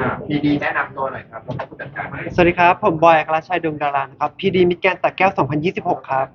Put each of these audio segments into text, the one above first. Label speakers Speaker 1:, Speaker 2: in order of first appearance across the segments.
Speaker 1: พีดีแนะนำตัวหน่อยครับแล้วก็ผู้จัดการ
Speaker 2: สวัสดีครับผมบอยอัครชัยดวงดารานะครับพีดีมิตรแกรนด์สระแก้ว2026ครับ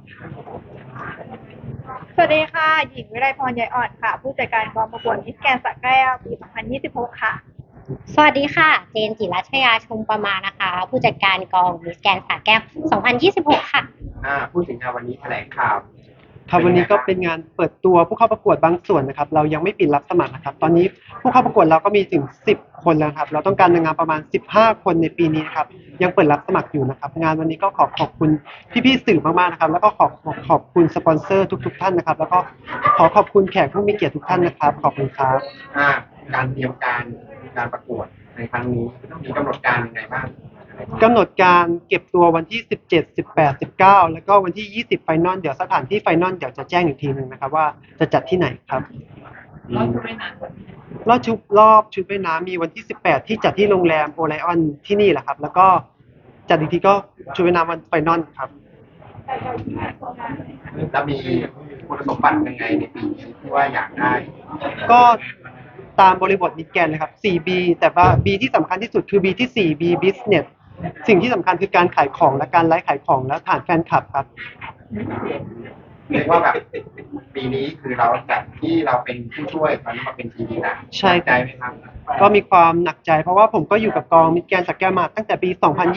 Speaker 3: สวัสดีค่ะหญิงวิไลพรยายอ่อนค่ะผู้จัดการกองประกวดมิสแกรนด์สระแก้วปี 2026 ค่ะ
Speaker 4: สวัสดีค่ะเจนจิรัชยาชมประมานะคะผู้จัดการกองมิสแกรนด์สระแก้ว2026ค่ะ
Speaker 1: พูดถึงงานวันนี้แถลงข่าว
Speaker 2: ครับวันนี้ก็เป็นงานเปิดตัวผู้เข้าประกวดบางส่วนนะครับเรายังไม่ปิดรับสมัครนะครับตอนนี้ผู้เข้าประกวดเราก็มีถึง10คนแล้วครับเราต้องการนางงามประมาณ15คนในปีนี้นะครับยังเปิดรับสมัครอยู่นะครับงานวันนี้ก็ขอบคุณพี่ๆสื่อมากๆนะครับแล้วก็ขอบคุณสปอนเซอร์ทุกๆท่านนะครับแล้วก็ขอบคุณแขกผู้มีเกียรติทุกท่านนะครับขอบคุณครับ
Speaker 1: การเตรียมการประกวดในครั้งนี้มีกำหนดการยังไงบ้าง
Speaker 2: กำหนดการเก็บตัววันที่17 18 19แล้วก็วันที่20ไฟนอลเดี๋ยวสถานที่ไฟนอลเดี๋ยวจะแจ้งอีกทีนึงนะครับว่าจะจัดที่ไหนครับรอบชุดว่ายน้ำมีวันที่18ที่จัดที่โรงแรมโอไลออนที่นี่แหละครับแล้วก็จัดอีกทีก็ชุดว่ายน้ำวันไฟนอลครับ
Speaker 1: จะมีคุณสมบัติยังไงในปีนี้ที่ว่าอยากได้
Speaker 2: ก็ตามบริบทมิตรแกรนด์เลยครับ 4B แต่ว่า B ที่สำคัญที่สุดคือ B ที่ 4B Business สิ่งที่สำคัญคือการขายของและการไลฟ์ขายของและฐานแฟนคลับครับ
Speaker 1: เรียกว่าแบบปีนี้คือเราจากที่เราเป็นผู้ช่วยตอนนี้มาเป็นทีดีนะ
Speaker 2: ใช่
Speaker 1: ใจไหมครับ
Speaker 2: ก็มีความหนักใจเพราะว่าผมก็อยู่กับกองมิตรแกรนด์สระแก้วมาตั้งแต่ปี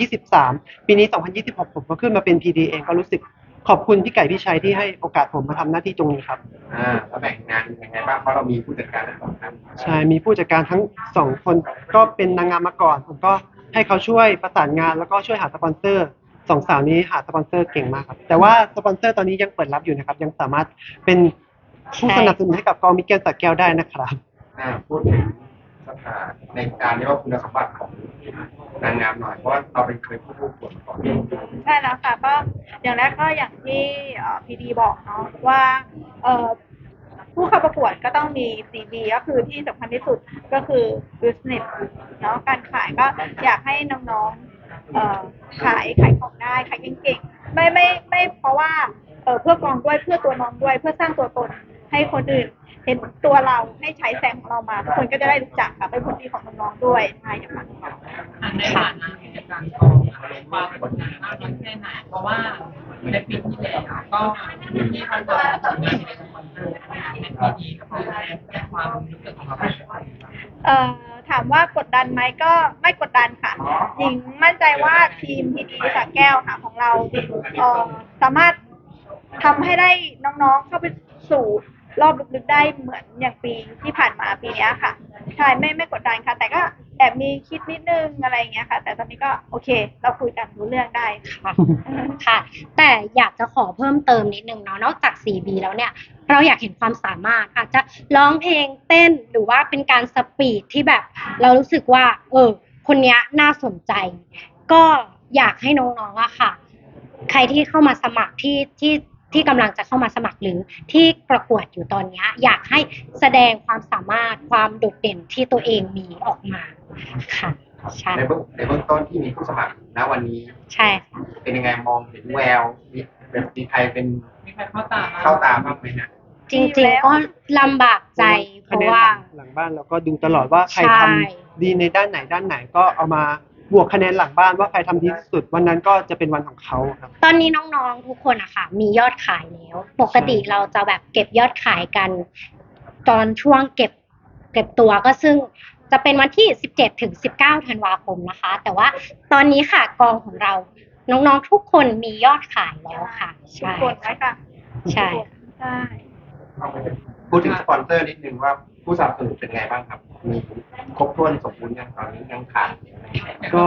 Speaker 2: 2023ปีนี้2026ผมก็ขึ้นมาเป็น PD เองก็รู้สึกขอบคุณพี่ไก่พี่ชัยที่ให้โอกาสผมมาทำหน้าที่ตรงนี้ครับ
Speaker 1: แล้วแบ่งงานยังไงบ้างเพราะเรามีผู้จัดการทั้งสองท่าน
Speaker 2: ใช่มีผู้จัดการทั้ง2คนก็เป็นนางงามมาก่อนผมก็ให้เขาช่วยประสานงานแล้วก็ช่วยหาสปอนเซอร์สองสาวนี้หาสปอนเซอร์เก่งมากครับแต่ว่าสปอนเซอร์ตอนนี้ยังเปิดรับอยู่นะครับยังสามารถเป็นผู้สนับสนุนให้กับกองมิตรแกรนด์สระแก้วได้นะครับ
Speaker 1: พูดถึงสถานในการเรียกว่าคุณสมบัติของนางงามหน่อยเพราะว่าเราเป็นเคยผู้ประกวดมาก่อน
Speaker 3: ใช่แล้วค่ะก็อย่างแรกก็อย่างที่พีดีบอกเนาะว่าผู้เข้าประกวดก็ต้องมี 4B ก็คือที่สำคัญที่สุดก็คือ business เนาะการขายก็อยากให้น้องๆขายของได้ขายเก่งๆไม่เพราะว่าเพื่อกองด้วยเพื่อตัวน้องด้วยเพื่อสร้างตัวตนให้คนอื่นเห็นตัวเราให้ใช้แสงของเรามาทุกคนก็จะได้รู้จักค่ะเป็นผลดีของน้องๆด้วยใช่ค่ะ
Speaker 5: ในฐานะกิจการกองความกดดันมากน้อยแค่ไหนเพราะว่าในปีที่แล้วก็ที่เขาจะทำงานในสปอนเซอร์ในปีนี้ก็คือในความรู้สึกของเรา
Speaker 3: ถามว่ากดดันไหมก็ไม่กดดันค่ะหญิงมั่นใจว่าทีมพีดีสระแก้วค่ะของเราสามารถทำให้ได้น้องๆเข้าไปสู่รอบลึกๆได้เหมือนอย่างปีที่ผ่านมาปีนี้ค่ะใช่ไม่กดดันค่ะแต่ก็แอบมีคิดนิดนึงอะไรอย่างเงี้ยค่ะแต่ตอนนี้ก็โอเคเราคุยกันรู้เรื่องได้ค่ะ
Speaker 4: ค่ะแต่อยากจะขอเพิ่มเติมนิดนึงเนาะนอกจาก 4B แล้วเนี่ยเราอยากเห็นความสามารถอาจจะร้องเพลงเต้นหรือว่าเป็นการสปีดที่แบบเรารู้สึกว่าคนนี้น่าสนใจก็อยากให้น้องๆอะค่ะใครที่เข้ามาสมัครที่กำลังจะเข้ามาสมัครหรือที่ประกวดอยู่ตอนนี้อยากให้แสดงความสามารถความโดดเด่นที่ตัวเองมีออกมาค่ะใช่
Speaker 1: ในเบื้องต้นที่มีผู้สมัครณวันนี้
Speaker 4: ใช่ค่ะ
Speaker 1: เป็นยังไงมองเห็นแววมีใคร
Speaker 5: เข้า
Speaker 1: ตาบ้างไหมนะ
Speaker 4: จริงๆก็ลำบากใจเพราะว่า
Speaker 2: หลังบ้านเราก็ดูตลอดว่าใครทำดีในด้านไหนก็เอามาบวกคะแนนหลังบ้านว่าใครทำดีที่สุดวันนั้นก็จะเป็นวันของเขาครับ
Speaker 4: ตอนนี้น้องๆทุกคนอะค่ะมียอดขายแล้วปกติเราจะแบบเก็บยอดขายกันตอนช่วงเก็บตัวก็ซึ่งจะเป็นวันที่17ถึง19ธันวาคมนะคะแต่ว่าตอนนี้ค่ะกองของเราน้องๆทุกคนมียอดขายแล้วค่ะ
Speaker 3: ใช่ค่ะ
Speaker 4: ใช่
Speaker 1: พูดถึงสปอนเซอร์นิดนึงว่าผู้สนับสนุนเป็นไงบ้างครับมีครบถ้วนสมบูรณ์ยังตอนนี้ยังขาด
Speaker 2: ก็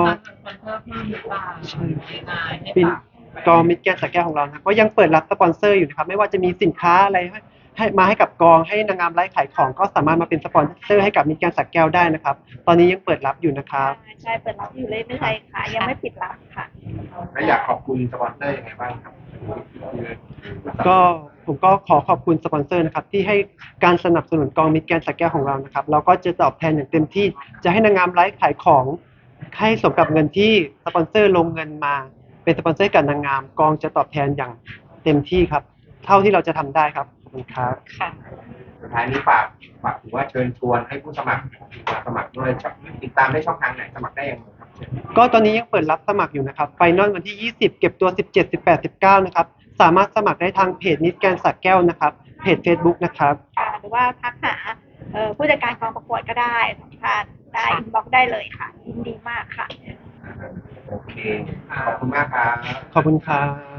Speaker 2: เป็นกองมิตรแกรนด์สระแก้วของเรานะก็ยังเปิดรับสปอนเซอร์อยู่นะครับไม่ว่าจะมีสินค้าอะไรให้มาให้กับกองให้นางงามไลฟ์ขายของก็สามารถมาเป็นสปอนเซอร์ให้กับมิตรแกรนด์สระแก้วได้นะครับตอนนี้ยังเปิดรับอยู่นะครับ
Speaker 3: ใช่เปิดรับอยู่เลยไม่ใช่ค่ะยังไม่ปิดรับค่ะ
Speaker 1: และอยากขอบคุณสปอนเซอร์ยังไงบ้างครับ
Speaker 2: ก็ผมก็ขอบคุณสปอนเซอร์นะครับที่ให้การสนับสนุนกองมิตรแกรนด์สระแก้วของเรานะครับเราก็จะตอบแทนอย่างเต็มที่จะให้นางงามไลฟ์ขายของให้สมกับเงินที่สปอนเซอร์ลงเงินมาเป็นสปอนเซอร์กับนางงามกองจะตอบแทนอย่างเต็มที่ครับเท่าที่เราจะทำได้ครับขอบคุณครับ
Speaker 4: ค่ะ
Speaker 1: ท้ายนี้ฝากถือว่าเชิญชวนให้ผู้สมัครมาสมัครด้วยติดตามได้ช่องทางไหนสมัครได้ยังไงครับเชิญ
Speaker 2: ก็ตอนนี้ยังเปิดรับสมัครอยู่นะครับไฟนอลวันที่ 20 เก็บตัว 17 18 19 นะครับ สามารถสมัครได้ทางเพจนิสแกนสระแก้วนะครับ เพจ Facebook นะครับ
Speaker 3: ค่ะหรือว่าทักหาผู้จัดการกองประกวดก็ได้สัมภาษณ์ได้อินบ็อกซ์ได้เลยค่ะยินดีมากค่ะ
Speaker 1: โอเค ขอบคุณมากครับ
Speaker 2: ขอบคุณครับ